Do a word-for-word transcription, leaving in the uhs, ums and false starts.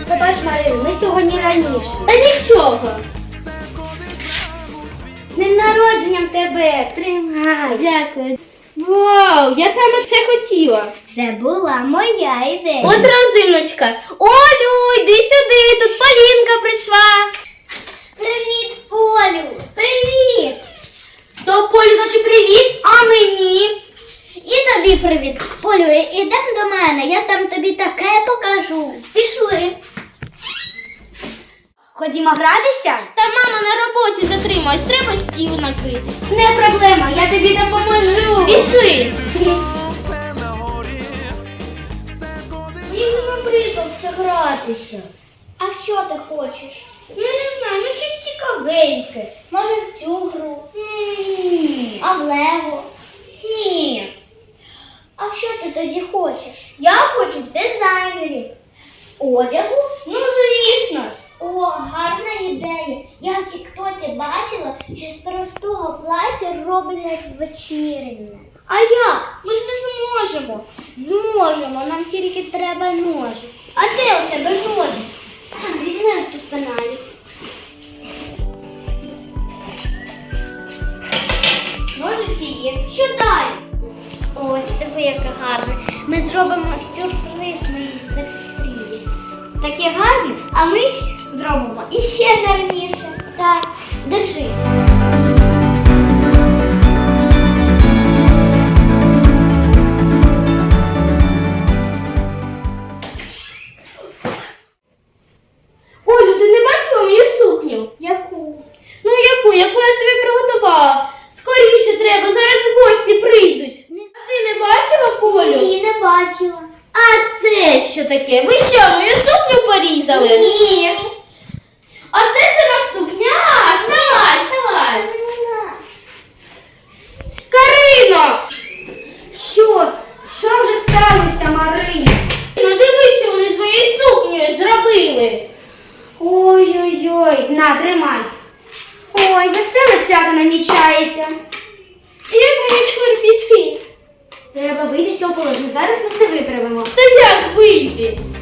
Побач, Марина, ми сьогодні раніше. Та нічого. З днем народженням тебе! Тримай! Дякую. Вау, я саме це хотіла. Це була моя ідея. От розумничка. Олю, йди сюди, тут Полінка прийшла. Привіт, Полю! Привіт! То Полю, значить привіт, а мені? І тобі привіт. Полю, ідемо до мене, я там тобі таке покажу. Пішли. Ходімо гратися? Та мама на роботі затрималась, треба стіл накрити. Не проблема, я тобі допоможу. Пішли. Мені набридався гратися. А що ти хочеш? Ну, не знаю, ну щось цікавеньке. Може в цю гру? Ні. А в Лего? Ні. А що ти тоді хочеш? Я хочу в дизайнерів. Одягу? Ну, звісно ж. О, гарна ідея. Я в тіктоці бачила, що з простого плаття роблять вечірнє. А як? Ми ж не зможемо. Зможемо, нам тільки треба ножиці. А де у тебе ножиці? Візьмемо тут пеналі. Ножиці є. Що далі? Ось, диви, яка гарна. Ми зробимо сюрприз моїй сестрі. Таке гарне, а ми ж зробимо іще гарніше. Так, держи. Олю, ти не бачила мою сукню? Яку? Ну яку, яку я собі приготувала? Скоріше треба, зараз гості прийдуть. А ти не бачила, Полю? Ні, не бачила. А це що таке? Ви що, мою сукню порізали? Ні. А де сама сукня? А, вставай, вставай. Карино! Що? Що вже сталося, Марина? Ну дивись, що вони з моєю сукнею зробили. Ой-ой-ой, на, тримай. Ой, веселе свято намічається. Як мені тепер піти? Треба вийти з цього положення. Зараз ми все виправимо. Та як вийти?